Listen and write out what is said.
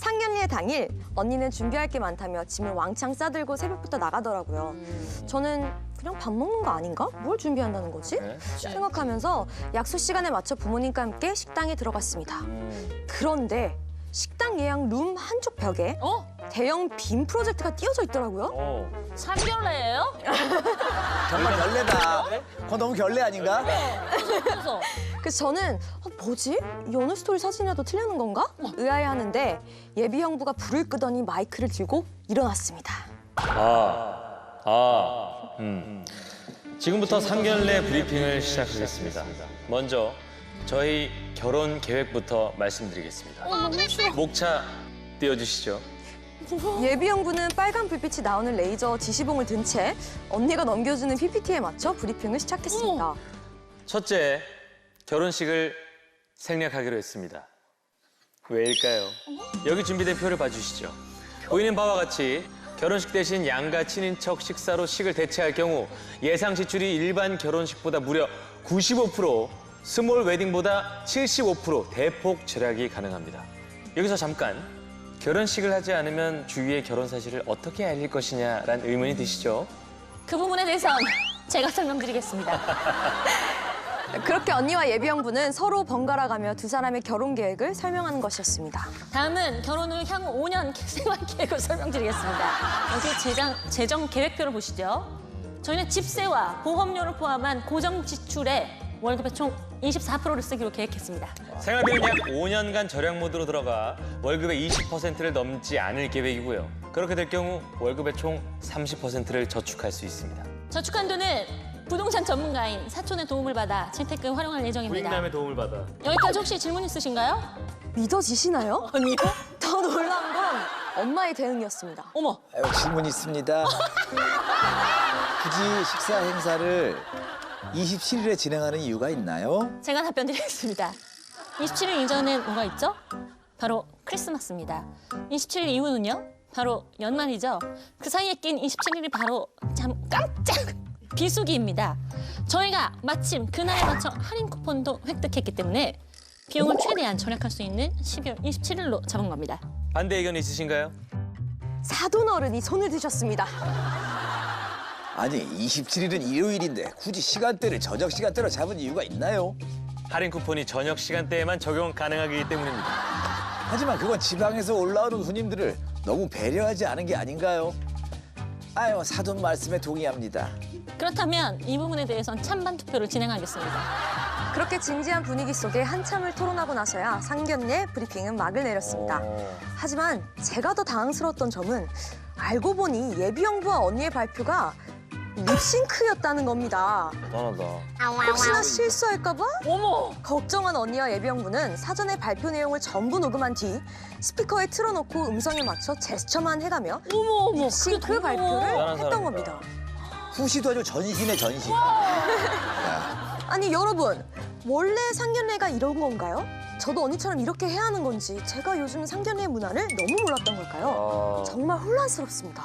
상견례 당일 언니는 준비할 게 많다며 짐을 왕창 싸들고 새벽부터 나가더라고요. 저는 그냥 밥 먹는 거 아닌가? 뭘 준비한다는 거지? 네. 생각하면서 약속 시간에 맞춰 부모님과 함께 식당에 들어갔습니다. 그런데 식당 예약 룸 한쪽 벽에 대형 빔 프로젝트가 띄워져 있더라고요. 상견례예요? 정말 결례다. 그거 너무 결례 아닌가? 그래서 그래서 저는 뭐지? 연애 스토리 사진이라도 틀리는 건가? 의아해하는데 예비 형부가 불을 끄더니 마이크를 들고 일어났습니다. 지금부터 상견례 브리핑을 시작하겠습니다. 먼저 저희 결혼 계획부터 말씀드리겠습니다. 목차 띄워주시죠. 예비 형부는 빨간 불빛이 나오는 레이저 지시봉을 든 채 언니가 넘겨주는 PPT에 맞춰 브리핑을 시작했습니다. 첫째, 결혼식을 생략하기로 했습니다. 왜일까요? 여기 준비된 표를 봐주시죠. 보이는 바와 같이 결혼식 대신 양가 친인척 식사로 식을 대체할 경우 예상 지출이 일반 결혼식보다 무려 95%, 스몰 웨딩보다 75% 대폭 절약이 가능합니다. 여기서 잠깐 결혼식을 하지 않으면 주위의 결혼 사실을 어떻게 알릴 것이냐라는 의문이 드시죠? 그 부분에 대해선 제가 설명드리겠습니다. 그렇게 언니와 예비 형부는 서로 번갈아가며 두 사람의 결혼 계획을 설명하는 것이었습니다. 다음은 결혼 후 향후 5년 생활 계획을 설명드리겠습니다. 여기 재정 계획표를 보시죠. 저희는 집세와 보험료를 포함한 고정 지출에 월급의 총 24%를 쓰기로 계획했습니다. 생활비는 약 5년간 절약 모드로 들어가 월급의 20%를 넘지 않을 계획이고요. 그렇게 될 경우 월급의 총 30%를 저축할 수 있습니다. 저축한 돈은 부동산 전문가인 사촌의 도움을 받아 재테크에 활용할 예정입니다. 부인남의 도움을 받아. 여기까지 혹시 질문 있으신가요? 믿어지시나요? 아니요. 더 놀라운 건 엄마의 대응이었습니다. 어머, 아유, 질문 있습니다. 굳이 식사 행사를 27일에 진행하는 이유가 있나요? 제가 답변 드리겠습니다. 27일 이전엔 뭐가 있죠? 바로 크리스마스입니다. 27일 이후는요? 바로 연말이죠. 그 사이에 낀 27일이 바로 참 깜짝 비수기입니다. 저희가 마침 그날에 맞춰 할인 쿠폰도 획득했기 때문에 비용을 최대한 절약할 수 있는 12월 27일로 잡은 겁니다. 반대 의견 있으신가요? 사돈 어른이 손을 드셨습니다. 아니, 27일은 일요일인데 굳이 시간대를 저녁 시간대로 잡은 이유가 있나요? 할인 쿠폰이 저녁 시간대에만 적용 가능하기 때문입니다. 하지만 그건 지방에서 올라오는 손님들을 너무 배려하지 않은 게 아닌가요? 아유, 사돈 말씀에 동의합니다. 그렇다면 이 부분에 대해선 찬반 투표를 진행하겠습니다. 그렇게 진지한 분위기 속에 한참을 토론하고 나서야 상견례 브리핑은 막을 내렸습니다. 하지만 제가 더 당황스러웠던 점은 알고 보니 예비 형부와 언니의 발표가 립싱크였다는 겁니다. 대단하다. 혹시나 실수할까 봐 어머! 걱정한 언니와 예비 형부는 사전에 발표 내용을 전부 녹음한 뒤 스피커에 틀어놓고 음성에 맞춰 제스처만 해가며 어머! 립싱크 발표를 대단한 했던 사람이다. 겁니다. 후시도 아주 전신에 전신. 아니 여러분, 원래 상견례가 이런 건가요? 저도 언니처럼 이렇게 해야 하는 건지 제가 요즘 상견례 문화를 너무 몰랐던 걸까요? 정말 혼란스럽습니다.